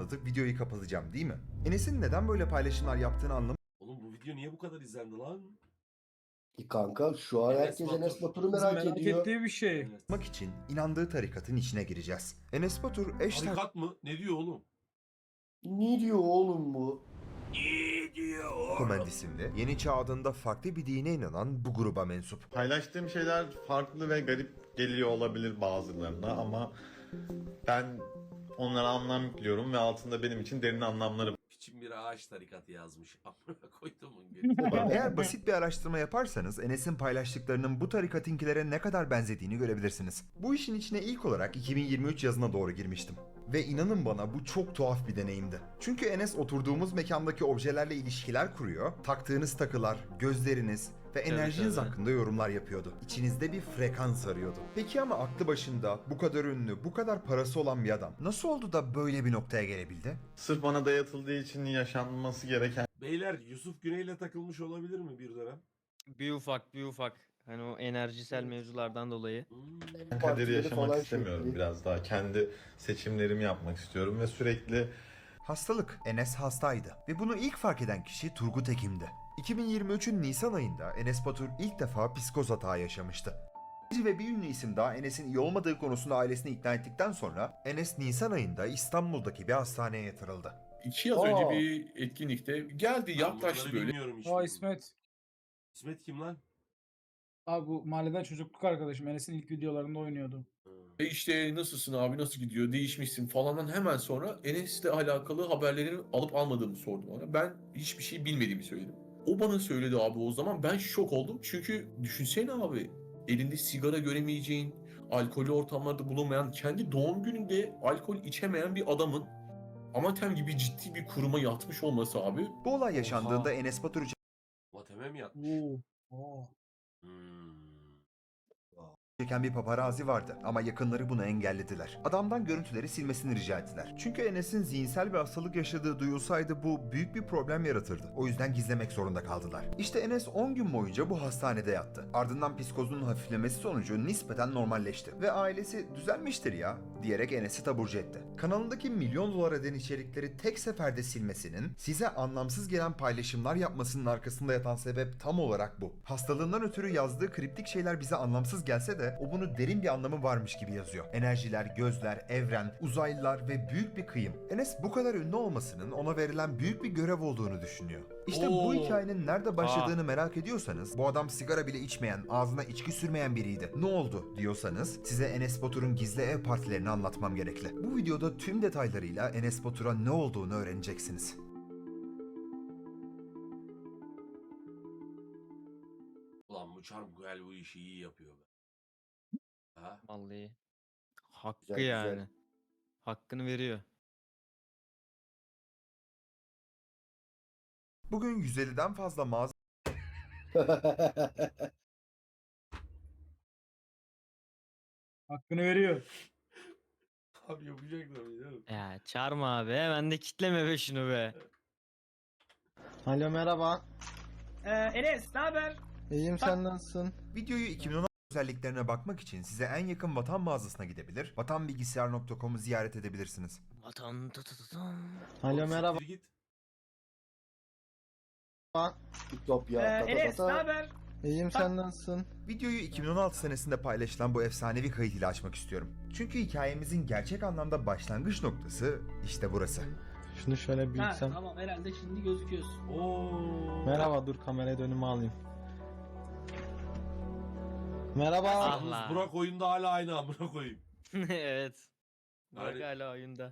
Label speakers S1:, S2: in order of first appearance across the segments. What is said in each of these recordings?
S1: anlatıp videoyu kapatacağım değil mi? Enes'in neden böyle paylaşımlar yaptığını anlamak
S2: Oğlum bu video niye bu kadar izlendi lan?
S3: Kanka şu an
S2: Enes
S3: herkes
S2: Batur.
S3: Enes Batur'u
S4: Bizim
S3: merak ediyor.
S4: ettiği bir şey.
S2: Evet.
S1: için inandığı tarikatın içine gireceğiz. Enes Batur eş
S2: Tarikat mı? Ne diyor oğlum?
S3: Ne diyor oğlum bu?
S1: Komend isimli, Yeni Çağ adında farklı bir dine inanan bu gruba mensup.
S5: Paylaştığım şeyler farklı ve garip geliyor olabilir bazılarına ama ben onlara anlam yüklüyorum ve altında benim için derin anlamları
S2: Piçin bir ağaç tarikatı yazmış. Amına koyduğumun geri.
S1: Eğer basit bir araştırma yaparsanız Enes'in paylaştıklarının bu tarikatinkilere ne kadar benzediğini görebilirsiniz. Bu işin içine ilk olarak 2023 yazına doğru girmiştim. Ve inanın bana bu çok tuhaf bir deneyimdi. Çünkü Enes oturduğumuz mekandaki objelerle ilişkiler kuruyor, taktığınız takılar, gözleriniz ve enerjiniz hakkında yorumlar yapıyordu. İçinizde bir frekans arıyordu. Peki ama aklı başında bu kadar ünlü, bu kadar parası olan bir adam nasıl oldu da böyle bir noktaya gelebildi?
S5: sırf bana dayatıldığı için yaşanması gereken
S2: Beyler Yusuf Güney'le takılmış olabilir mi bir dönem?
S6: Bir ufak. Hani o enerjisel mevzulardan dolayı.
S5: kaderi
S3: Partileri
S5: yaşamak
S3: falan
S5: istemiyorum.
S3: çekti.
S5: Biraz daha kendi seçimlerimi yapmak istiyorum ve sürekli
S1: Hastalık. Enes hastaydı ve bunu ilk fark eden kişi Turgut Ekim'di. 2023'ün Nisan ayında Enes Batur ilk defa psikoz hata yaşamıştı. Bir ve bir ünlü isim daha Enes'in iyi olmadığı konusunda ailesini ikna ettikten sonra Enes Nisan ayında İstanbul'daki bir hastaneye yatırıldı.
S7: 2 yıl önce bir etkinlikte geldi
S2: Ben
S7: yaklaştı
S2: bunları
S7: böyle.
S2: bilmiyorum hiç.
S4: Aa İsmet.
S2: İsmet kim lan?
S4: Abi bu mahalleden çocukluk arkadaşım. Enes'in ilk videolarında oynuyordu.
S7: İşte nasılsın abi nasıl gidiyor değişmişsin falandan hemen sonra Enes'le alakalı haberlerini alıp almadığımı sordu bana. Ben hiçbir şey bilmediğimi söyledim. O bana söyledi abi o zaman ben şok oldum. Çünkü düşünsene abi elinde sigara göremeyeceğin, alkollü ortamlarda bulunmayan, kendi doğum gününde alkol içemeyen bir adamın Amatem gibi ciddi bir kuruma yatmış olması abi.
S1: Bu olay yaşandığında Enes Batur
S2: Vateme mi yatmış?
S4: Oo.
S2: Hmm.
S1: çeken bir paparazi vardı ama yakınları bunu engellediler. Adamdan görüntüleri silmesini rica ettiler. Çünkü Enes'in zihinsel bir hastalık yaşadığı duyulsaydı bu büyük bir problem yaratırdı. O yüzden gizlemek zorunda kaldılar. İşte Enes 10 gün boyunca bu hastanede yattı. Ardından psikozunun hafiflemesi sonucu nispeten normalleşti. Ve ailesi düzelmiştir ya diyerek Enes'i taburcu etti. Kanalındaki milyon dolar eden içerikleri tek seferde silmesinin, size anlamsız gelen paylaşımlar yapmasının arkasında yatan sebep tam olarak bu. Hastalığından ötürü yazdığı kriptik şeyler bize anlamsız gelse de o bunu derin bir anlamı varmış gibi yazıyor. Enerjiler, gözler, evren, uzaylılar ve büyük bir kıyım. Enes bu kadar ünlü olmasının ona verilen büyük bir görev olduğunu düşünüyor. İşte bu hikayenin nerede başladığını merak ediyorsanız, bu adam sigara bile içmeyen, ağzına içki sürmeyen biriydi. Ne oldu diyorsanız, size Enes Batur'un gizli ev partilerini anlatmam gerekli. Bu videoda tüm detaylarıyla Enes Batur'a ne olduğunu öğreneceksiniz.
S2: Ulan bu Çarmıhel bu işi iyi yapıyor be. Ha?
S6: Vallahi. Hakkı
S3: Güzel,
S6: yani.
S3: güzel.
S6: Hakkını veriyor.
S1: Bugün 150'den fazla mağaza
S4: Hakkını veriyor.
S2: Abi yapacak da biliyorum.
S6: Ya çağırma abi. Hemen de kitleme be şunu be.
S8: Alo merhaba.
S9: Enes, ne haber?
S8: İyiyim sen nasılsın?
S1: videoyu 2016 özelliklerine bakmak için size en yakın Vatan mağazasına gidebilir, vatanbilgisayar.com'u ziyaret edebilirsiniz.
S6: Vatan
S8: Alo merhaba.
S2: Siktir git.
S3: Ütopya.
S9: Enes, ne haber?
S8: İyiyim sen nasılsın?
S1: Videoyu 2016 senesinde paylaşılan bu efsanevi kayıt ile açmak istiyorum. Çünkü hikayemizin gerçek anlamda başlangıç noktası işte burası.
S8: Şunu şöyle
S9: Ha,
S8: büyütsem.
S9: tamam herhalde şimdi gözüküyorsun.
S2: Oo.
S8: Merhaba dur kameraya önüme alayım. Merhaba.
S6: Ah.
S2: Yalnız Burak oyunda hala aynı amına koyayım.
S6: Evet. Burak
S2: Yani-
S6: hala oyunda.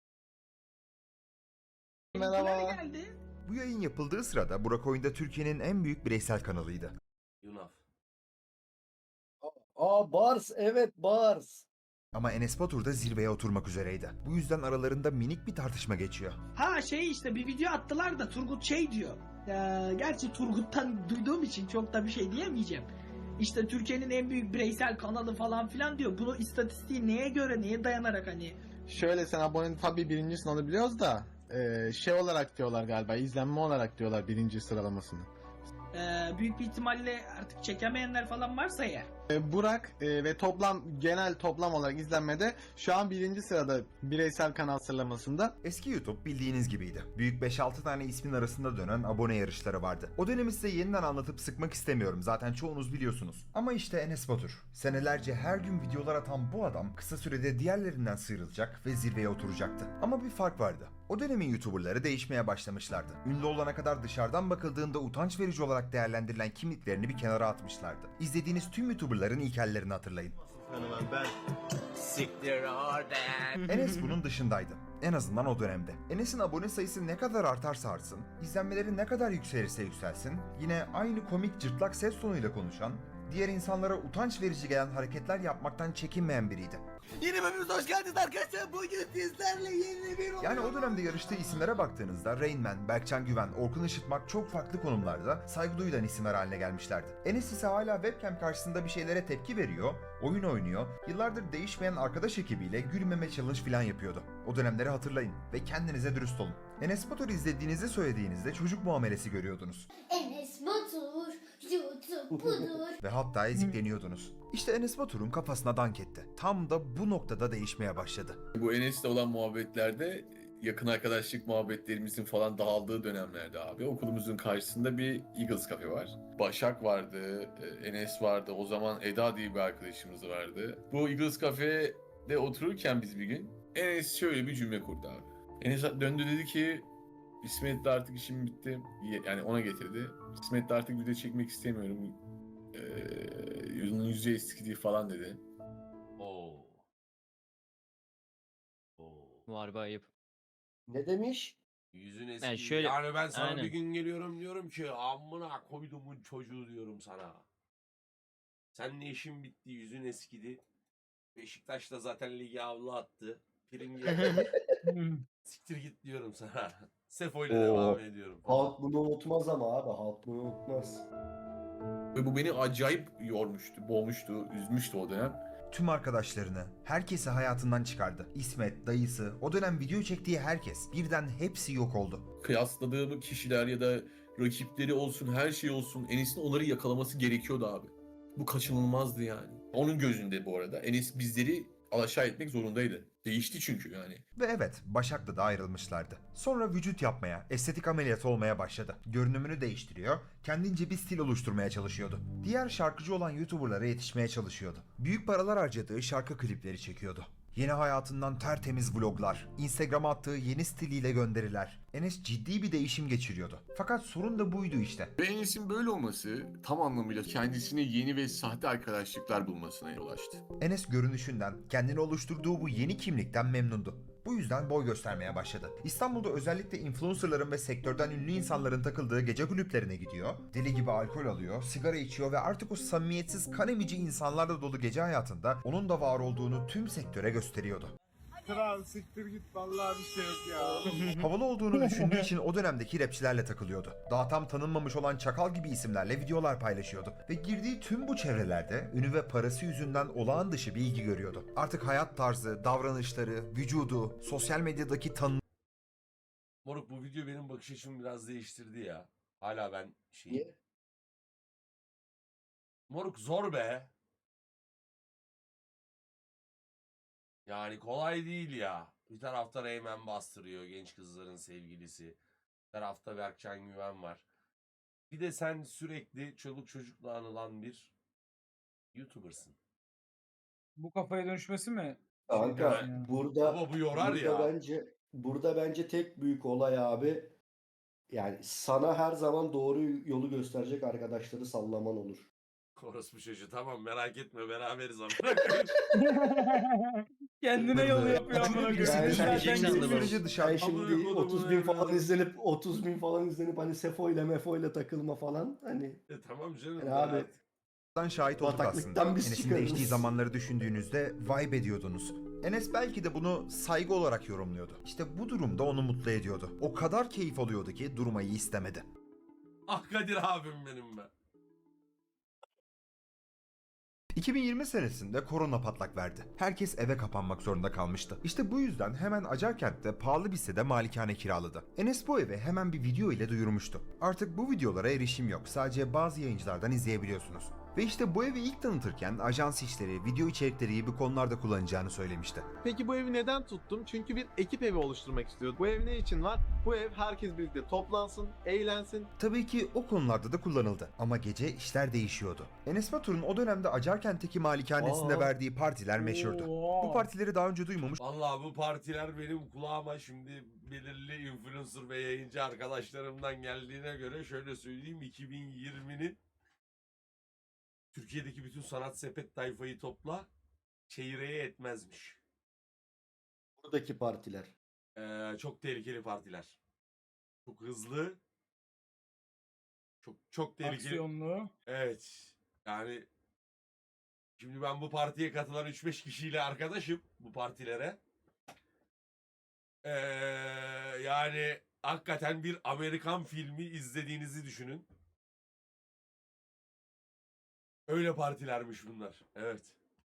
S8: Merhaba.
S9: Geldi.
S1: Bu yayın yapıldığı sırada Burak Oyun'da Türkiye'nin en büyük bireysel kanalıydı.
S2: Yunaf.
S3: Bars, evet Bars.
S1: Ama Enes Batur da zirveye oturmak üzereydi. Bu yüzden aralarında minik bir tartışma geçiyor.
S9: Ha şey işte bir video attılar da Turgut şey diyor. Gerçi Turgut'tan duyduğum için çok da bir şey diyemeyeceğim. İşte Türkiye'nin en büyük bireysel kanalı falan filan diyor. Bunu istatistiği neye göre, neye dayanarak hani?
S8: Şöyle sen abone tabii birincisini alabiliyoruz da şey olarak diyorlar galiba izlenme olarak diyorlar birinci sıralamasını.
S9: Büyük bir ihtimalle artık çekemeyenler falan varsa eğer.
S8: Burak ve genel toplam olarak izlenmede şu an 1. sırada bireysel kanal sıralamasında.
S1: Eski YouTube bildiğiniz gibiydi. Büyük 5-6 tane ismin arasında dönen abone yarışları vardı. O dönemi size yeniden anlatıp sıkmak istemiyorum. Zaten çoğunuz biliyorsunuz. Ama işte Enes Batur. Senelerce her gün videolar atan bu adam kısa sürede diğerlerinden sıyrılacak ve zirveye oturacaktı. Ama bir fark vardı. O dönemin YouTuber'ları değişmeye başlamışlardı. Ünlü olana kadar dışarıdan bakıldığında utanç verici olarak değerlendirilen kimliklerini bir kenara atmışlardı. İzlediğiniz tüm YouTuber'ların ilkellerini hatırlayın. Enes bunun dışındaydı. En azından o dönemde. Enes'in abone sayısı ne kadar artarsa artsın, izlenmeleri ne kadar yükselirse yükselsin, yine aynı komik cırtlak ses tonuyla konuşan, diğer insanlara utanç verici gelen hareketler yapmaktan çekinmeyen biriydi.
S3: Yeni bölümümüze hoş geldiniz arkadaşlar. Bugün sizlerle yeni bir
S1: Yani o dönemde yarıştığı isimlere baktığınızda Rain Man, Berkcan Güven, Orkun Işıtmak çok farklı konumlarda saygı duyulan isimler haline gelmişlerdi. Enes ise hala webcam karşısında bir şeylere tepki veriyor, oyun oynuyor, yıllardır değişmeyen arkadaş ekibiyle gülmeme challenge falan yapıyordu. O dönemleri hatırlayın ve kendinize dürüst olun. Enes Batur'u izlediğinizi söylediğinizde çocuk muamelesi görüyordunuz.
S10: Enes Batur, YouTube budur.
S1: Ve hatta ezikleniyordunuz. İşte Enes Batur'un kafasına dank etti. Tam da bu noktada değişmeye başladı.
S7: Bu Enes'le olan muhabbetlerde yakın arkadaşlık muhabbetlerimizin falan dağıldığı dönemlerde abi okulumuzun karşısında bir Eagles Cafe var. Başak vardı, Enes vardı, o zaman Eda diye bir arkadaşımız vardı. Bu Eagles Cafe'de otururken biz bir gün Enes şöyle bir cümle kurdu abi. Enes döndü dedi ki İsmet'le artık işim bitti. Yani ona getirdi. İsmet'le artık video çekmek istemiyorum. Yüzü eskidi falan dedi.
S2: Oo.
S6: Harbi ayıp.
S3: Ne demiş?
S2: Yüzün eski.
S6: Yani şöyle-
S2: Yani ben sana
S6: Aynen.
S2: bir gün geliyorum diyorum ki amına koydumun çocuğu diyorum sana. Seninle işin bitti, yüzün eskidi. Beşiktaş da zaten ligi avlu attı. Pring'e siktir git diyorum sana. Sefo ile
S3: Oo.
S2: devam ediyorum.
S3: Halk bunu unutmaz ama abi. Halk bunu unutmaz.
S7: Ve bu beni acayip yormuştu, boğmuştu, üzmüştü o dönem.
S1: Tüm arkadaşlarını, herkesi hayatından çıkardı. İsmet, dayısı, o dönem video çektiği herkes, birden hepsi yok oldu.
S7: Kıyasladığı kişiler ya da rakipleri olsun, her şey olsun, Enes'in onları yakalaması gerekiyordu abi. Bu kaçınılmazdı yani. Onun gözünde bu arada Enes bizleri alaşağı etmek zorundaydı. Değişti çünkü yani.
S1: Ve evet, Başak'la da ayrılmışlardı. Sonra vücut yapmaya, estetik ameliyat olmaya başladı. Görünümünü değiştiriyor, kendince bir stil oluşturmaya çalışıyordu. Diğer şarkıcı olan YouTuber'lara yetişmeye çalışıyordu. Büyük paralar harcadığı şarkı klipleri çekiyordu. Yeni hayatından tertemiz vloglar, Instagram'a attığı yeni stiliyle gönderiler. Enes ciddi bir değişim geçiriyordu. Fakat sorun da buydu işte.
S7: Ve Enes'in böyle olması tam anlamıyla kendisine yeni ve sahte arkadaşlıklar bulmasına yol açtı.
S1: Enes görünüşünden, kendini oluşturduğu bu yeni kimlikten memnundu. Bu yüzden boy göstermeye başladı. İstanbul'da özellikle influencerların ve sektörden ünlü insanların takıldığı gece kulüplerine gidiyor, deli gibi alkol alıyor, sigara içiyor ve artık o samimiyetsiz kan emici insanlarla dolu gece hayatında onun da var olduğunu tüm sektöre gösteriyordu.
S8: Kral siktir git vallahi bir şey yok ya.
S1: Havalı olduğunu düşündüğü için o dönemdeki rapçilerle takılıyordu. Daha tam tanınmamış olan Çakal gibi isimlerle videolar paylaşıyordu. Ve girdiği tüm bu çevrelerde ünü ve parası yüzünden olağan dışı bir ilgi görüyordu. Artık hayat tarzı, davranışları, vücudu, sosyal medyadaki
S2: Moruk bu video benim bakış açımı biraz değiştirdi ya. Hala ben
S3: Niye?
S2: Moruk zor be. Yani kolay değil ya. Bir tarafta Reymen bastırıyor, genç kızların sevgilisi. Bir tarafta Berkcan Güven var. Bir de sen sürekli çoluk çocukla anılan bir YouTuber'sın.
S4: Bu kafaya dönüşmesi mi?
S3: Kanka
S4: Yani.
S3: burada
S2: Ama bu yorar
S3: burada
S2: ya.
S3: bence tek büyük olay abi, yani sana her zaman doğru yolu gösterecek arkadaşları sallaman olur.
S2: Orospu çocuğu tamam merak etme beraberiz amına koyayım.
S4: Kendine yolu yapıyor
S1: Çünkü
S4: amına
S1: birisi
S4: koyayım.
S3: Yani
S1: zaten
S3: sen
S1: kendi
S3: şimdi-
S1: sürece
S3: Sen
S1: dışarı
S3: şimdi
S2: Amına kodumun
S3: 30 bin falan
S2: evladı.
S3: izlenip 30 bin falan izlenip hani Sefo ile Mefo ile takılma falan hani
S2: Tamam canım.
S3: Yani abi,
S2: rahat.
S1: şahit olduk
S3: bataklıktan
S1: aslında.
S3: biz
S1: Enes'in
S3: çıkarız.
S1: değiştiği zamanları düşündüğünüzde vibe ediyordunuz. Enes belki de bunu saygı olarak yorumluyordu. İşte bu durumda onu mutlu ediyordu. O kadar keyif alıyordu ki durmayı istemedi.
S2: Ah Kadir abim benim be.
S1: 2020 senesinde korona patlak verdi. Herkes eve kapanmak zorunda kalmıştı. İşte bu yüzden hemen Acarkent'te pahalı bir sitede malikane kiraladı. Enes bu evi hemen bir video ile duyurmuştu. Artık bu videolara erişim yok. Sadece bazı yayıncılardan izleyebiliyorsunuz. Ve işte bu evi ilk tanıtırken ajans işleri, video içerikleri gibi konularda kullanacağını söylemişti.
S8: Peki bu evi neden tuttum? Çünkü bir ekip evi oluşturmak istiyorum. Bu ev ne için var? Bu ev herkes birlikte toplansın, eğlensin.
S1: Tabii ki o konularda da kullanıldı ama gece işler değişiyordu. Enes Batur'un o dönemde Acarkent'teki malikanesinde
S3: Aa.
S1: verdiği partiler meşhurdu. Bu partileri daha önce duymamış
S2: Vallahi bu partiler benim kulağıma şimdi belirli influencer ve yayıncı arkadaşlarımdan geldiğine göre şöyle söyleyeyim, 2020'nin Türkiye'deki bütün sanat sepet tayfayı topla çeyreğe etmezmiş.
S3: Buradaki partiler.
S2: Çok tehlikeli partiler. Çok hızlı. Çok tehlikeli.
S4: Aksiyonlu.
S2: Evet. Yani şimdi ben bu partiye katılan 3-5 kişiyle arkadaşım, bu partilere. Yani hakikaten bir Amerikan filmi izlediğinizi düşünün. Öyle partilermiş bunlar. Evet.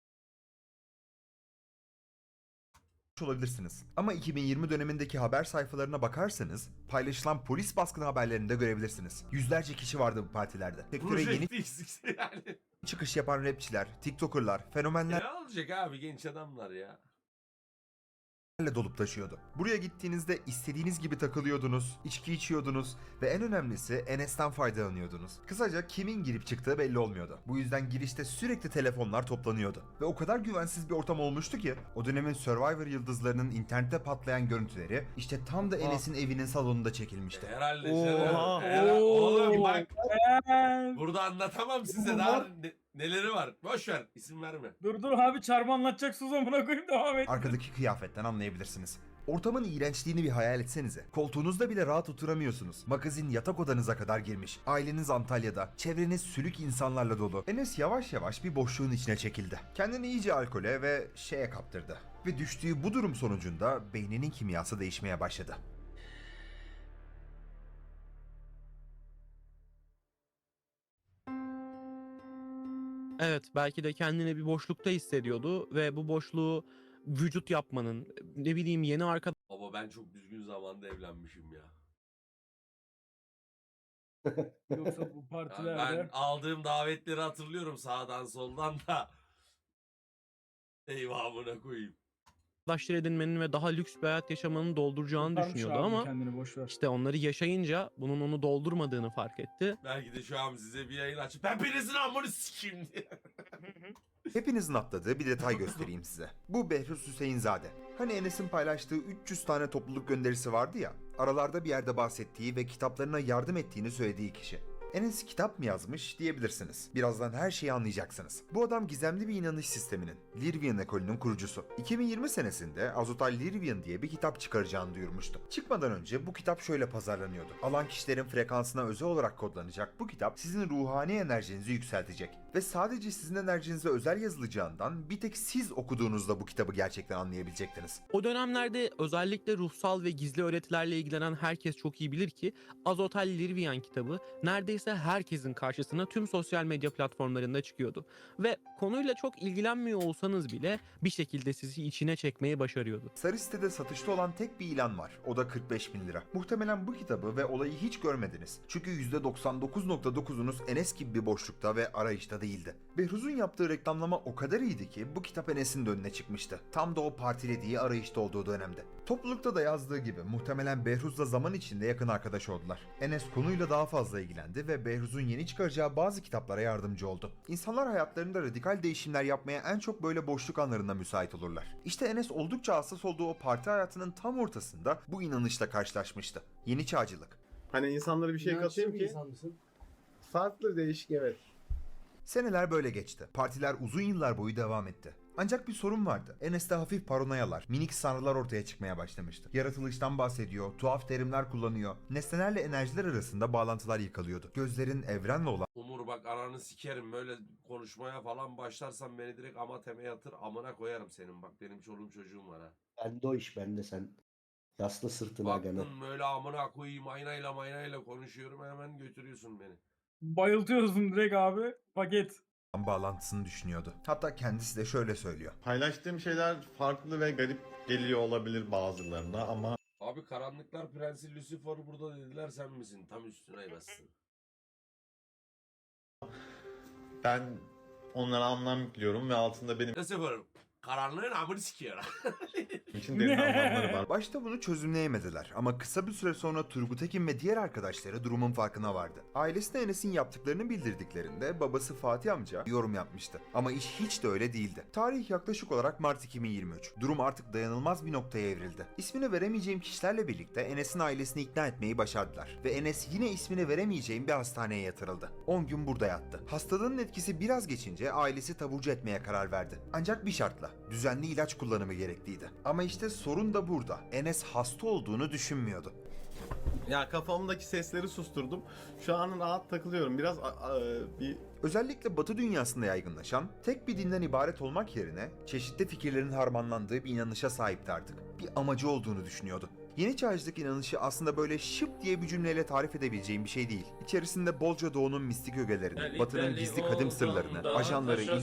S1: olabilirsiniz. Ama 2020 dönemindeki haber sayfalarına bakarsanız paylaşılan polis baskını haberlerini de görebilirsiniz. Yüzlerce kişi vardı bu partilerde. Sektöre yeni
S2: Projektist yani.
S1: çıkış yapan rapçiler, tiktokerlar, fenomenler
S2: Ne olacak abi, genç adamlar ya.
S1: dolup taşıyordu. Buraya gittiğinizde istediğiniz gibi takılıyordunuz, içki içiyordunuz ve en önemlisi Enes'ten faydalanıyordunuz. Kısaca kimin girip çıktığı belli olmuyordu. Bu yüzden girişte sürekli telefonlar toplanıyordu. Ve o kadar güvensiz bir ortam olmuştu ki o dönemin Survivor yıldızlarının internette patlayan görüntüleri işte tam da Enes'in evinin salonunda çekilmişti.
S2: Herhalde
S6: Oha.
S2: canım. Oğlum bak,
S4: Ee,
S2: burada anlatamam size daha neleri var. Boş ver, isim verme.
S4: dur abi, çarmı anlatacaksınız amına koyayım, devam et.
S1: Arkadaki kıyafetten anlayabilirsiniz. Ortamın iğrençliğini bir hayal etsenize. Koltuğunuzda bile rahat oturamıyorsunuz. Magazin yatak odanıza kadar girmiş. Aileniz Antalya'da. Çevreniz sülük insanlarla dolu. Enes yavaş yavaş bir boşluğun içine çekildi. Kendini iyice alkole ve şeye kaptırdı. Ve düştüğü bu durum sonucunda beyninin kimyası değişmeye başladı.
S6: Evet, belki de kendini bir boşlukta hissediyordu ve bu boşluğu vücut yapmanın, ne bileyim yeni
S2: Baba ben çok düzgün zamanda evlenmişim ya.
S4: Yoksa bu
S2: Yani
S4: partilerde.
S2: ben aldığım davetleri hatırlıyorum sağdan soldan da. Eyvahına koyayım.
S6: arkadaşlar edinmenin ve daha lüks bir hayat yaşamanın dolduracağını
S4: Kurtarmış
S6: düşünüyordu
S4: abi
S6: ama
S4: kendini, boş ver.
S6: işte onları yaşayınca bunun onu doldurmadığını fark etti.
S2: Belki de şu an size bir yayın açıp ben birinizin amını sikeyim diye.
S1: Hepinizin atladığı bir detay göstereyim size. Bu Behruz Hüseyinzade. Hani Enes'in paylaştığı 300 tane topluluk gönderisi vardı ya, aralarda bir yerde bahsettiği ve kitaplarına yardım ettiğini söylediği kişi. Enes kitap mı yazmış diyebilirsiniz. Birazdan her şeyi anlayacaksınız. Bu adam gizemli bir inanış sisteminin, Lirvian ekolünün kurucusu. 2020 senesinde Azotal Lirvian diye bir kitap çıkaracağını duyurmuştu. Çıkmadan önce bu kitap şöyle pazarlanıyordu. Alan kişilerin frekansına özel olarak kodlanacak bu kitap sizin ruhani enerjinizi yükseltecek. Ve sadece sizin enerjinize özel yazılacağından bir tek siz okuduğunuzda bu kitabı gerçekten anlayabilecektiniz.
S6: O dönemlerde özellikle ruhsal ve gizli öğretilerle ilgilenen herkes çok iyi bilir ki Azotal Lirvian kitabı neredeyse herkesin karşısına tüm sosyal medya platformlarında çıkıyordu. Ve konuyla çok ilgilenmiyor olsanız bile bir şekilde sizi içine çekmeyi başarıyordu.
S1: Sarı sitede satışta olan tek bir ilan var. O da 45.000 lira. Muhtemelen bu kitabı ve olayı hiç görmediniz. Çünkü %99.9'unuz Enes gibi bir boşlukta ve arayışta değildi. Behruz'un yaptığı reklamlama o kadar iyiydi ki bu kitap Enes'in de önüne çıkmıştı. Tam da o partilediği arayışta olduğu dönemde. Toplulukta da yazdığı gibi muhtemelen Behruz'la zaman içinde yakın arkadaş oldular. Enes konuyla daha fazla ilgilendi ve Behruz'un yeni çıkaracağı bazı kitaplara yardımcı oldu. İnsanlar hayatlarında radikal değişimler yapmaya en çok böyle boşluk anlarında müsait olurlar. İşte Enes oldukça hassas olduğu o parti hayatının tam ortasında bu inanışla karşılaşmıştı. Yeni çağcılık.
S8: Hani insanlara bir şey katayım ki farklı, değişik, evet.
S1: Seneler böyle geçti. Partiler uzun yıllar boyu devam etti. Ancak bir sorun vardı. Enes'te hafif paranoyalar, minik sanrılar ortaya çıkmaya başlamıştı. Yaratılıştan bahsediyor, tuhaf terimler kullanıyor. Nesnelerle enerjiler arasında bağlantılar yıkalıyordu. Gözlerin evrenle olan
S2: Umur bak ananı sikerim, böyle konuşmaya falan başlarsan beni direkt amateme yatır, amına koyarım senin, bak benim çoluğum çocuğum var ha.
S3: Bende o iş, bende sen. Yasla sırtına gana.
S2: Baktın böyle amına koyayım aynayla konuşuyorum, hemen götürüyorsun beni.
S4: Bayıltıyorsun direkt abi. Paket.
S1: bağlantısını düşünüyordu. Hatta kendisi de şöyle söylüyor.
S5: Paylaştığım şeyler farklı ve garip geliyor olabilir bazılarına ama
S2: Abi Karanlıklar Prensi Lucifer burada dediler, sen misin? Tam üstüne bassın.
S5: Ben onlara anlam yüklüyorum ve altında benim
S2: Nasıl yaparım? Karanlığın amını sikiyor.
S5: için derin anlamları var.
S1: Başta bunu çözümleyemediler ama kısa bir süre sonra Turgut Ekin ve diğer arkadaşları durumun farkına vardı. Ailesine Enes'in yaptıklarını bildirdiklerinde babası Fatih amca yorum yapmıştı. Ama iş hiç de öyle değildi. Tarih yaklaşık olarak Mart 2023. Durum artık dayanılmaz bir noktaya evrildi. İsmini veremeyeceğim kişilerle birlikte Enes'in ailesini ikna etmeyi başardılar. Ve Enes yine ismini veremeyeceğim bir hastaneye yatırıldı. 10 gün burada yattı. Hastalığın etkisi biraz geçince ailesi taburcu etmeye karar verdi. Ancak bir şartla. Düzenli ilaç kullanımı gerekliydi. Ama işte sorun da burada. Enes hasta olduğunu düşünmüyordu.
S5: Ya kafamdaki sesleri susturdum. Şu an rahat takılıyorum. Biraz bir
S1: Özellikle Batı dünyasında yaygınlaşan, tek bir dinden ibaret olmak yerine çeşitli fikirlerin harmanlandığı bir inanışa sahipti artık. Bir amacı olduğunu düşünüyordu. Yeni çağcılık inanışı aslında böyle şıp diye bir cümleyle tarif edebileceğim bir şey değil. İçerisinde bolca doğunun mistik ögelerini, Batı'nın gizli kadim sırlarını, ajanları,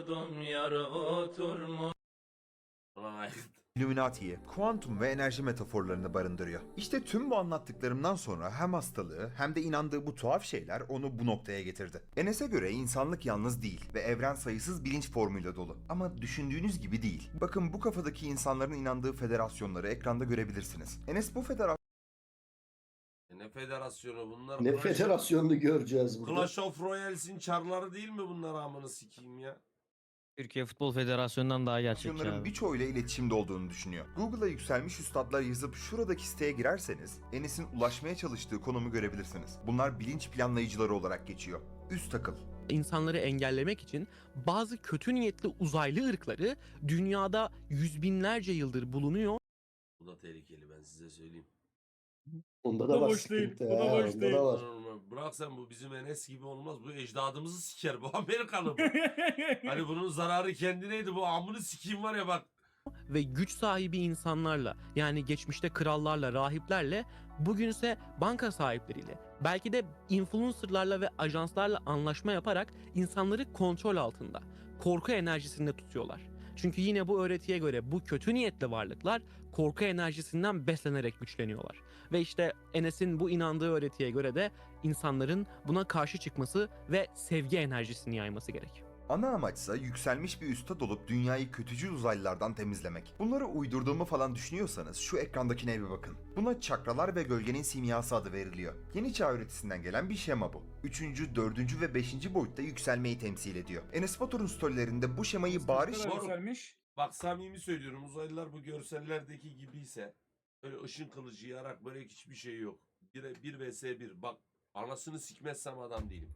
S2: Vay.
S1: Illuminati'yi, kuantum ve enerji metaforlarını barındırıyor. İşte tüm bu anlattıklarımdan sonra hem hastalığı hem de inandığı bu tuhaf şeyler onu bu noktaya getirdi. Enes'e göre insanlık yalnız değil ve evren sayısız bilinç formuyla dolu. Ama düşündüğünüz gibi değil. Bakın bu kafadaki insanların inandığı federasyonları ekranda görebilirsiniz. Enes bu
S2: Ne federasyonu bunlar?
S3: Ne
S2: Clash-
S3: federasyonunu göreceğiz burada.
S2: Clash of Royales'in çarları değil mi bunlar amını sikeyim ya?
S11: Türkiye Futbol Federasyonu'ndan daha gerçekçi
S1: federasyonların
S11: abi.
S1: birçoğuyla iletişimde olduğunu düşünüyor. Google'a yükselmiş üstadlar yazıp şuradaki siteye girerseniz Enes'in ulaşmaya çalıştığı konumu görebilirsiniz. Bunlar bilinç planlayıcıları olarak geçiyor. Üst akıl,
S6: İnsanları engellemek için bazı kötü niyetli uzaylı ırkları dünyada yüz binlerce yıldır bulunuyor
S2: Bu da tehlikeli ben size söyleyeyim.
S3: Onda
S4: Bu
S3: da
S4: da
S3: var
S4: boş değil,
S3: sıkıntı.
S4: bu da
S3: ha,
S4: boş
S3: onda
S4: değil.
S3: da var.
S2: Bırak sen bu bizim Enes gibi olmaz. Bu ecdadımızı siker. Bu Amerikalı bu. Hani bunun zararı kendineydi. Bu amını sikeyim var ya bak.
S6: ve güç sahibi insanlarla, yani geçmişte krallarla, rahiplerle, bugünse banka sahipleriyle, belki de influencerlarla ve ajanslarla anlaşma yaparak insanları kontrol altında, korku enerjisinde tutuyorlar. Çünkü yine bu öğretiye göre bu kötü niyetli varlıklar korku enerjisinden beslenerek güçleniyorlar. Ve işte Enes'in bu inandığı öğretiye göre de insanların buna karşı çıkması ve sevgi enerjisini yayması gerek.
S1: ana amaçsa yükselmiş bir üstad olup dünyayı kötücül uzaylılardan temizlemek. Bunları uydurduğumu falan düşünüyorsanız şu ekrandakine bir bakın. Buna çakralar ve gölgenin simyası adı veriliyor. Yeni çağ öğretisinden gelen bir şema bu. 3., 4. ve 5. boyutta yükselmeyi temsil ediyor. Enes Batur'un storylerinde bu şemayı bariz
S4: Ne kadar yükselmiş?
S2: Bak samimi söylüyorum. Uzaylılar bu görsellerdeki gibiyse böyle ışın kılıcı yarak böyle hiçbir şey yok. 1 vs 1. Bak anasını sikmezsem adam değilim.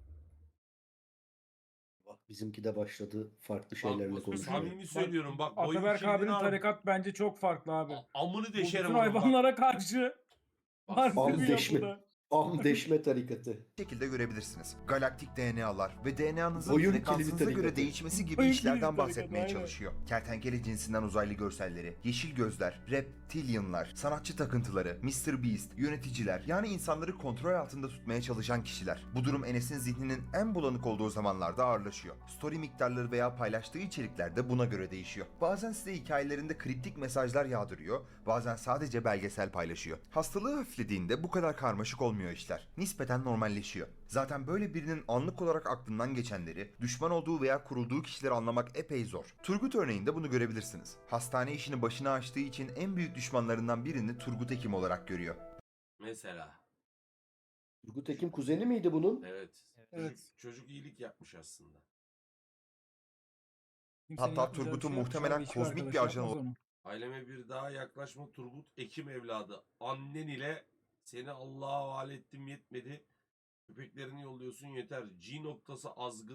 S3: Bak bizimki de başladı farklı
S2: Bak
S3: şeylerle
S2: bu
S3: konuşuyor.
S2: samimi söylüyorum. Bak boyun
S4: Ataberk
S2: kimliğini
S4: abinin
S2: al.
S4: tarikat bence çok farklı abi.
S2: Amını
S4: Bu
S2: deşerim
S4: bütün
S2: onun bak.
S4: hayvanlara karşı
S2: Bak,
S4: farklı
S3: Am
S4: bir
S3: deşme.
S4: yapıda.
S3: Am deşme tarikatı.
S1: şekilde görebilirsiniz. Galaktik DNA'lar ve DNA'nızın
S3: Boyun
S1: frekansınıza
S3: kilidi
S1: göre
S3: tarikatı.
S1: değişmesi gibi
S4: Boyun
S1: işlerden
S4: kilidi tarikatı,
S1: bahsetmeye
S4: aynen.
S1: çalışıyor. Kertenkele cinsinden uzaylı görselleri, yeşil gözler, reptilianlar, sanatçı takıntıları, Mr. Beast, yöneticiler, yani insanları kontrol altında tutmaya çalışan kişiler. Bu durum Enes'in zihninin en bulanık olduğu zamanlarda ağırlaşıyor. Story miktarları veya paylaştığı içerikler de buna göre değişiyor. Bazen size hikayelerinde kriptik mesajlar yağdırıyor, bazen sadece belgesel paylaşıyor. Hastalığı hafiflediğinde bu kadar karmaşık olmuyor işler. Nispeten normalleşiyor. Zaten böyle birinin anlık olarak aklından geçenleri, düşman olduğu veya kurulduğu kişileri anlamak epey zor. Turgut örneğinde bunu görebilirsiniz. Hastane işini başına açtığı için en büyük düşmanlarından birini Turgut Ekim olarak görüyor.
S2: Mesela.
S3: Turgut Ekim kuzeni miydi bunun?
S2: Evet.
S4: Evet.
S2: Çocuk iyilik yapmış aslında.
S4: Kimsenin
S1: Hatta
S4: yapmayacağı
S1: Turgut'un
S4: şey yok. Şu
S1: muhtemelen
S4: an hiçbir
S1: kozmik bir
S4: arkadaş
S1: ajan
S4: yapmaz onu.
S2: Aileme bir daha yaklaşma Turgut Ekim evladı. Annen ile seni Allah'a havale ettim yetmedi. Köpeklerini yolluyorsun yeter. G noktası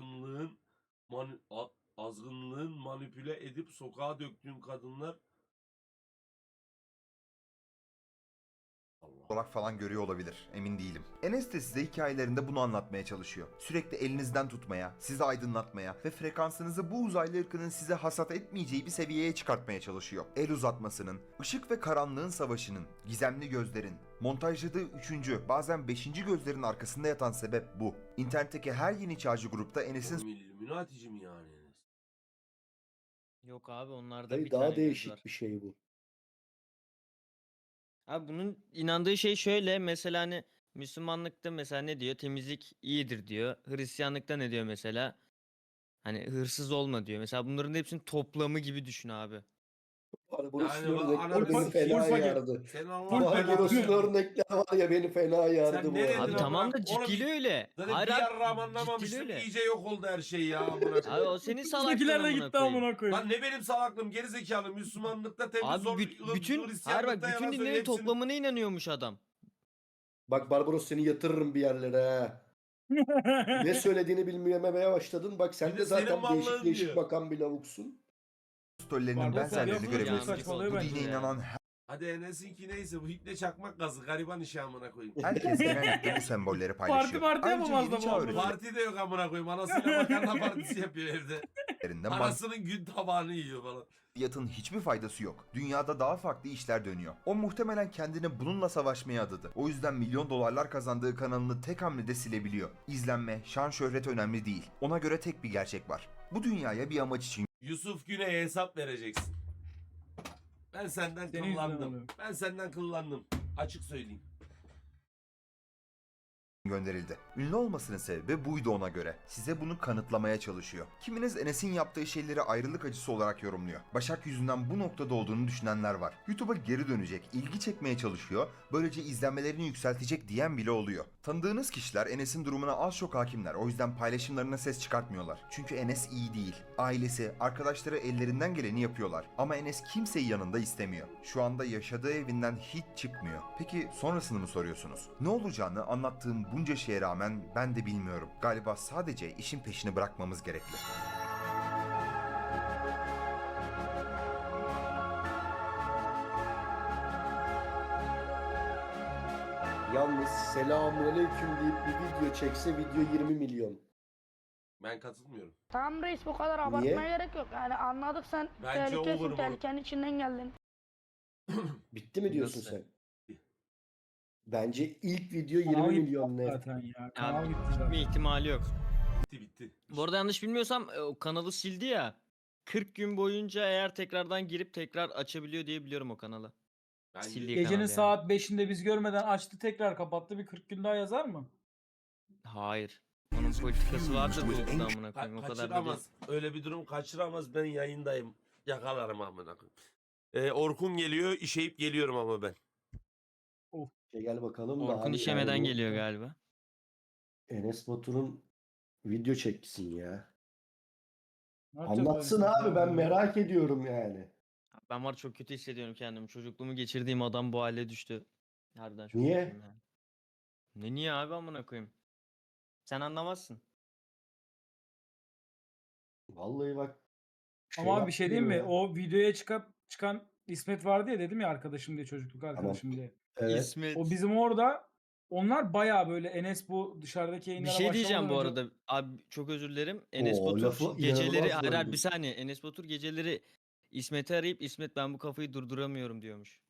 S2: azgınlığın manipüle edip sokağa döktüğün kadınlar Allah.
S1: olarak falan görüyor olabilir. Emin değilim. Enes de size hikayelerinde bunu anlatmaya çalışıyor. Sürekli elinizden tutmaya, sizi aydınlatmaya ve frekansınızı bu uzaylı ırkının size hasat etmeyeceği bir seviyeye çıkartmaya çalışıyor. El uzatmasının, ışık ve karanlığın savaşının, gizemli gözlerin, montajladığı 3. bazen 5. gözlerin arkasında yatan sebep bu. İnternetteki her yeni çağcı grupta Enes'in
S2: Oğlum Illuminati'ci mi yani Enes?
S11: Yok abi onlarda
S3: Dayı
S11: bir
S3: daha
S11: tane göz
S3: değişik
S11: var.
S3: bir şey bu.
S11: Abi bunun inandığı şey şöyle, mesela hani Müslümanlıkta mesela ne diyor? Temizlik iyidir diyor. Hristiyanlıkta ne diyor mesela? Hani hırsız olma diyor. Mesela bunların hepsinin toplamı gibi düşün abi.
S3: Barbaros'un
S2: Yani bu
S3: örnekleri
S2: ananı
S3: beni fena
S4: sikeyim.
S3: yardı.
S2: Senin Allah
S4: Full paket.
S3: Barbaros'un
S4: Full-
S3: örnekleri var ya beni fena yardı
S2: Sen
S3: bu
S2: ne dedin
S3: arada.
S11: Abi
S2: amına
S11: tamam da
S2: koyayım? Oğlum
S11: ciddi öyle.
S2: Zaten
S11: Hayır
S2: bir
S11: abi,
S2: yarrağım
S11: ciddi
S2: anlamamıştım.
S11: öyle.
S2: İyice yok oldu her şey ya amına
S11: Abi
S2: koyayım.
S11: o senin
S4: Bizdekiler
S11: salaklığın
S4: de
S11: amına
S4: gitti
S11: koyayım.
S4: amına koyayım.
S2: Lan ne benim salaklığım gerizekalı Müslümanlıkta temiz
S11: Abi
S2: zor
S11: bütün hayır
S2: Hristiyanlıkta
S11: bak bütün
S2: yalan söyle
S11: dinlerin
S2: hepsini.
S11: toplamına inanıyormuş adam.
S3: Bak Barbaros seni yatırırım bir yerlere ha. Ne söylediğini bilmemeye başladın. Bak sen
S2: Bir
S3: de
S2: de senin
S3: zaten değişik
S2: mallığın
S3: değişik
S2: diyor.
S3: bakan bir lavuksun.
S1: Stollerinin
S4: Barbaros
S1: benzerlerini
S4: yapıyor,
S1: görebilirsiniz.
S4: saçmalıyor
S1: Bu
S4: bence
S1: dine
S11: ya.
S1: inanan
S2: Hadi Enes'inki neyse bu hipne çakmak gazı gariban işi amına koyayım.
S1: herkes genellikle bu sembolleri paylaşıyor.
S4: Parti
S1: Ayrıca
S4: yapamaz da
S1: yeni
S4: bu
S1: çağ
S4: arada.
S2: Parti de yok amına koyayım. Anasıyla makarna partisi yapıyor evde.
S1: öğretilerinden
S2: Anasının gün tabağını yiyor falan.
S1: maddiyatın hiçbir faydası yok. Dünyada daha farklı işler dönüyor. O muhtemelen kendini bununla savaşmaya adadı. O yüzden milyon dolarlar kazandığı kanalını tek hamlede silebiliyor. İzlenme, şan şöhret önemli değil. Ona göre tek bir gerçek var. Bu dünyaya bir amaç için
S2: Yusuf Güney'e hesap vereceksin. Ben senden
S4: Senin yüzünden
S2: kıllandım.
S4: oluyor.
S2: Ben senden kıllandım. Açık söyleyeyim.
S1: gönderildi. Ünlü olmasının sebebi buydu ona göre. Size bunu kanıtlamaya çalışıyor. Kiminiz Enes'in yaptığı şeyleri ayrılık acısı olarak yorumluyor. Başak yüzünden bu noktada olduğunu düşünenler var. YouTube'a geri dönecek, ilgi çekmeye çalışıyor, böylece izlenmelerini yükseltecek diyen bile oluyor. Tanıdığınız kişiler Enes'in durumuna az çok hakimler, o yüzden paylaşımlarına ses çıkartmıyorlar. Çünkü Enes iyi değil. Ailesi, arkadaşları ellerinden geleni yapıyorlar. Ama Enes kimseyi yanında istemiyor. Şu anda yaşadığı evinden hiç çıkmıyor. Peki sonrasını mı soruyorsunuz? Ne olacağını anlattığım bunca şeye rağmen ben de bilmiyorum. Galiba sadece işin peşini bırakmamız gerekli.
S3: Yalnız selamünaleyküm deyip bir video çekse video 20 milyon.
S2: Ben katılmıyorum.
S10: Tamam reis bu kadar abartmaya gerek yok. Yani anladık sen
S2: Bence olur
S10: tehlikesin,
S2: mu?
S10: tehlikenin içinden geldin.
S3: Bitti mi diyorsun
S2: Nasıl?
S3: sen? Bence ilk video
S4: Kanal
S3: 20
S4: gitti
S3: milyon net.
S4: zaten ya. Kanal
S11: Abi,
S4: gitti zaten.
S11: bir ihtimali yok.
S2: Bitti bitti.
S11: Bu arada yanlış bilmiyorsam o kanalı sildi ya. 40 gün boyunca eğer tekrardan girip tekrar açabiliyor diye biliyorum o kanalı.
S2: Bence
S11: Sildiği
S4: Gecenin
S11: kanal yani.
S4: saat 5'inde biz görmeden açtı tekrar kapattı. Bir 40 gün daha yazar mı?
S11: Hayır. Onun politikası vardır bu amına koyayım. O kadar da değil.
S2: kaçıramaz. Öyle bir durum kaçıramaz. Ben yayındayım. Yakalarım amına koyayım. Orkun geliyor, işeyip geliyorum ama ben.
S3: Gel bakalım da
S11: Orkun
S3: abi
S11: işemeden
S3: yani bu
S11: geliyor galiba.
S3: Enes Batur'un video çeksin ya.
S4: Ne yapacağız
S3: Anlatsın
S4: abi?
S3: abi ben merak ediyorum yani.
S11: Ben var çok kötü hissediyorum kendimi. Çocukluğumu geçirdiğim adam bu hale düştü. Harbiden çok
S3: Niye?
S11: kötüyüm yani. Ne niye abi amına koyayım? Sen anlamazsın.
S3: Vallahi bak.
S4: Ama abi bir şey diyeyim mi?
S3: yaptırıyor ya.
S4: O videoya çıkan İsmet vardı ya, dedim ya arkadaşım diye, çocukluk arkadaşım diye.
S3: Evet.
S11: İsmet.
S4: O bizim orada, onlar bayağı böyle Enes bu dışarıdaki
S11: Bir
S4: yayınlara
S11: şey diyeceğim bu
S4: başlamadan önce-
S11: arada. Abi çok özür dilerim. Enes
S3: Oo,
S11: Batur
S3: lafı
S11: geceleri
S3: inanılmaz
S11: hayır, hayır,
S3: böldün.
S11: bir saniye. Enes Batur geceleri İsmet'i arayıp İsmet ben bu kafayı durduramıyorum diyormuş.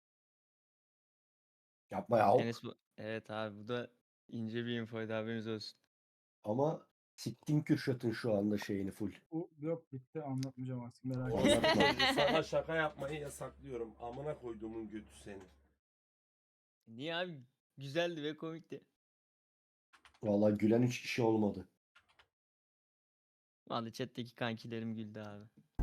S3: Yapma ya.
S11: Evet abi bu da ince bir infoydu, haberiniz olsun.
S3: Ama siktin Kürşat'ın şu anda şeyini full.
S4: Bu yok, bitti, anlatmayacağım artık, merak
S2: Orospu
S4: etme.
S3: Anlatma.
S2: çocuğu, sana şaka yapmayı yasaklıyorum. Amına koyduğumun götü seni.
S11: Niye abi? Güzeldi ve komikti.
S3: Vallahi gülen 3 kişi olmadı.
S11: Vallahi chat'teki kankilerim güldü abi.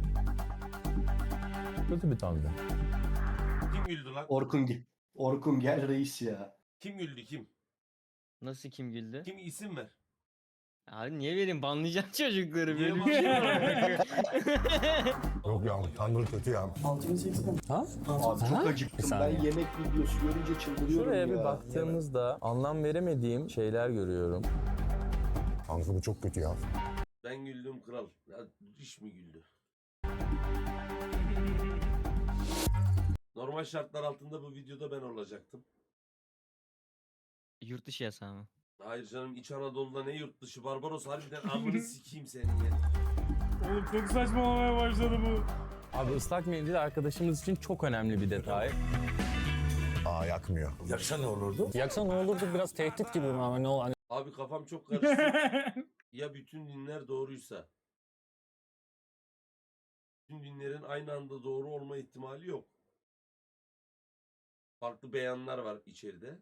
S12: Kötü bir tanrı.
S2: Kim güldü lan?
S3: Orkun gel reis ya.
S2: Kim güldü kim?
S11: Nasıl kim güldü?
S2: Kim isim ver.
S11: Abi niye vereyim? Banlayacağım çocukları.
S2: Niye
S11: Böyle bir şey var.
S12: Yok ya tanrı kötü ya.
S3: Abi çok acıktım. Ben
S12: saniye.
S3: yemek videosu görünce çıldırıyorum
S12: Şuraya
S3: ya.
S12: bir baktığımızda anlam veremediğim şeyler görüyorum. Tanrı bu çok kötü ya.
S2: Ben güldüm kral. Ya iş mi güldü? Normal şartlar altında bu videoda ben olacaktım.
S11: Yurt dışı yasağı mı?
S2: Hayır canım, İç Anadolu'da ne yurt dışı, Barbaros harbiden amını sikeyim senin ya.
S4: Oğlum çok saçmalamaya başladı bu.
S12: Abi ıslak mendil arkadaşımız için çok önemli bir detay. Aa yakmıyor.
S13: Yaksa ne olurdu?
S12: Yaksa ne olurdu, biraz tehdit gibi mi ama ne ol hani
S2: Abi kafam çok karıştı. Ya bütün dinler doğruysa? Bütün dinlerin aynı anda doğru olma ihtimali yok. Farklı beyanlar var içeride.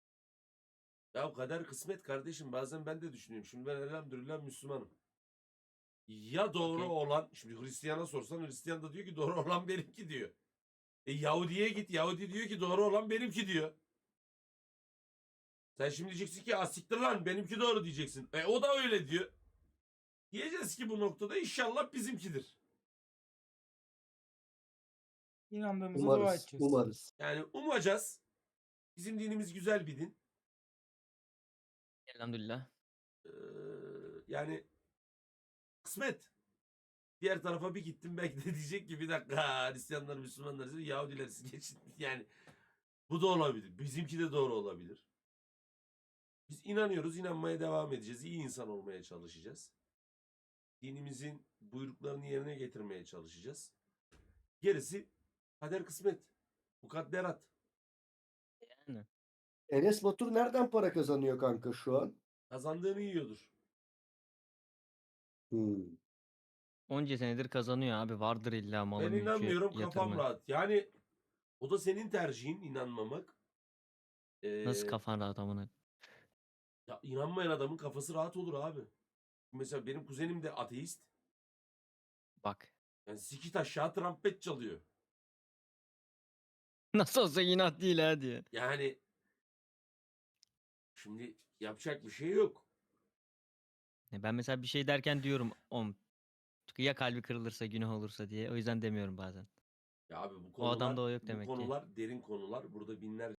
S2: Ya kader kısmet kardeşim, bazen ben de düşünüyorum. Şimdi ben elhamdülillah Müslümanım. Ya doğru
S11: Okey.
S2: olan, şimdi Hristiyan'a sorsan Hristiyan da diyor ki doğru olan benimki diyor. Yahudi'ye git, Yahudi diyor ki doğru olan benimki diyor. Sen şimdi diyeceksin ki asiktir lan benimki doğru diyeceksin. O da öyle diyor. Diyeceğiz ki bu noktada inşallah bizimkidir.
S4: İnandığımıza dua
S3: Umarız.
S4: edeceğiz.
S3: Umarız.
S2: Yani umacağız. Bizim dinimiz güzel bir din.
S11: Elhamdülillah.
S2: Yani kısmet. Diğer tarafa bir gittim belki de diyecek ki bir dakika Hristiyanlar, Müslümanlar, Yahudiler siz geçin. Yani bu da olabilir. Bizimki de doğru olabilir. Biz inanıyoruz, inanmaya devam edeceğiz. İyi insan olmaya çalışacağız. Dinimizin buyruklarını yerine getirmeye çalışacağız. Gerisi kader kısmet. Mukadderat.
S11: Yani.
S3: Enes Batur nereden para kazanıyor kanka şu an?
S2: Kazandığını yiyordur.
S3: Hmm.
S11: Onca senedir kazanıyor abi. Vardır illa malı
S2: Ben
S11: mülkü
S2: inanmıyorum, kafam
S11: yatırımı.
S2: rahat. Yani o da senin tercihin, inanmamak.
S11: Nasıl kafan rahat amına?
S2: Ya inanmayan adamın kafası rahat olur abi. Mesela benim kuzenim de ateist.
S11: Bak.
S2: Yani sikit aşağı trompet çalıyor.
S11: Nasıl olsa inat değil ha diye.
S2: Yani şimdi yapacak bir şey yok.
S11: Ben mesela bir şey derken diyorum ya kalbi kırılırsa günah olursa diye. O yüzden demiyorum bazen.
S2: Ya abi bu
S11: O adamda
S2: konular,
S11: o yok
S2: bu
S11: demek ki.
S2: konular derin konular. Burada binlerce